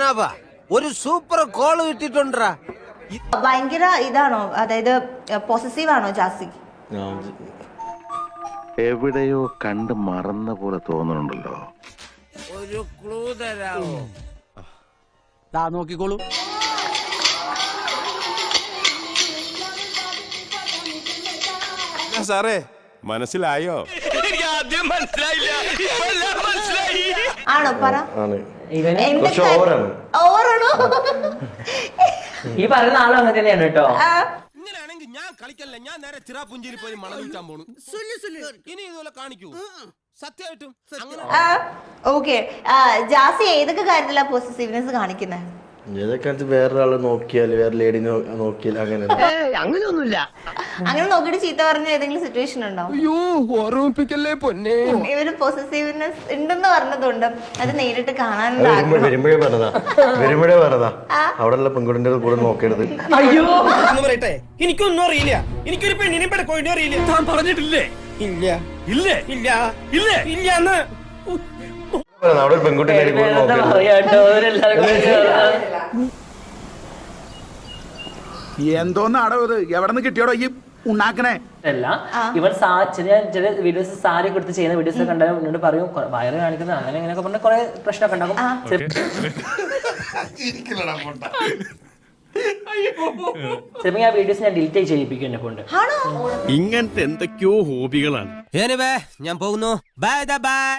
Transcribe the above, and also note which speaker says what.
Speaker 1: പത്മനാഭ ഒരു super call കിട്ടിട്ടുണ്ടാ.
Speaker 2: ഭയങ്കര ഇതാണോ, അതായത് പോസസീവ് ആണോ ജാസി?
Speaker 3: എവിടെയോ കണ്ട് മറന്ന പോലെ തോന്നുന്നുണ്ടല്ലോ.
Speaker 1: ഒരു ക്ലൂ തരാമോ?
Speaker 4: നോക്കിക്കോളൂ.
Speaker 5: സാറേ മനസ്സിലായോ?
Speaker 2: ആണോ? പറ. ഓവറാണോ?
Speaker 6: ഈ പറയുന്ന ആളും അങ്ങനെ തന്നെയാണ് കേട്ടോ.
Speaker 5: ഇങ്ങനെയാണെങ്കിൽ ഞാൻ കളിക്കല്ല, ഞാൻ നേരെ ചിറാപുഞ്ചിയിൽ പോയി മണം വിൽക്കാൻ പോണു. ഇനി ഇതുപോലെ കാണിക്കൂ സത്യമായിട്ടും.
Speaker 2: ഓക്കെ, ജാസി ഏതൊക്കെ കാര്യത്തിലാ പോസസീവ്നെസ് കാണിക്കുന്നത്?
Speaker 7: ഏതൊക്കെ വേറൊരാള് നോക്കിയാല്, വേറെ ലേഡി നോക്കിയാൽ അങ്ങനെ
Speaker 4: അങ്ങനെയൊന്നുമില്ല.
Speaker 2: അങ്ങനെ നോക്കിയിട്ട് ചീത്ത പറഞ്ഞ ഏതെങ്കിലും സിറ്റുവേഷൻ ഉണ്ടോ?
Speaker 4: ഓർമ്മിപ്പിക്കല്ലേ പൊന്നെ.
Speaker 2: ഇവര് പോസസീവ്നെസ് ഉണ്ടെന്ന് പറഞ്ഞതുകൊണ്ട് അത് നേരിട്ട് കാണാനുള്ള
Speaker 7: വരുമ്പോഴേ പറഞ്ഞതാ അവിടെയുള്ള പെൺകുട്ടിന്റെ കൂടെ നോക്കരുത്.
Speaker 6: അയ്യോ
Speaker 4: പറയട്ടെ, എനിക്കൊന്നും അറിയില്ല. എനിക്കൊരു പെണ്ണിനെ പെടക്കോഴിനെ അറിയില്ല. താൻ പറഞ്ഞിട്ടില്ലേ? ഇല്ല ഇല്ല ഇല്ല ഇല്ല ഇല്ല എന്ന്.
Speaker 7: അവിടെ പെൺകുട്ടിന്റെ കൂടെ നോക്കരുത്.
Speaker 6: പറയാട്ടോ
Speaker 8: എന്തോന്നാടോ ഇത്? എവിടെ നിന്ന് കിട്ടിയോടോ ഈ ഉണ്ടാക്കണേ?
Speaker 6: അല്ല, ഇവൻ ചില വീഡിയോസ് സാരി കൊടുത്ത് ചെയ്യുന്ന വീഡിയോസ് കണ്ടാൽ എന്നോട് പറയും വയറ് കാണിക്കുന്നത് അങ്ങനെ ഇങ്ങനെയൊക്കെ പറഞ്ഞാൽ കുറെ പ്രശ്നമൊക്കെ ഉണ്ടാകും. ചിലപ്പോൾ ആ വീഡിയോസ് ഞാൻ ഡിലീറ്റ് ചെയ്യിപ്പിക്കും എന്നെ കൊണ്ട്.
Speaker 5: ഇങ്ങനത്തെ എന്തൊക്കെയോ ഹോബികളാണ്.
Speaker 1: ഞാൻ പോകുന്നു. Bye by.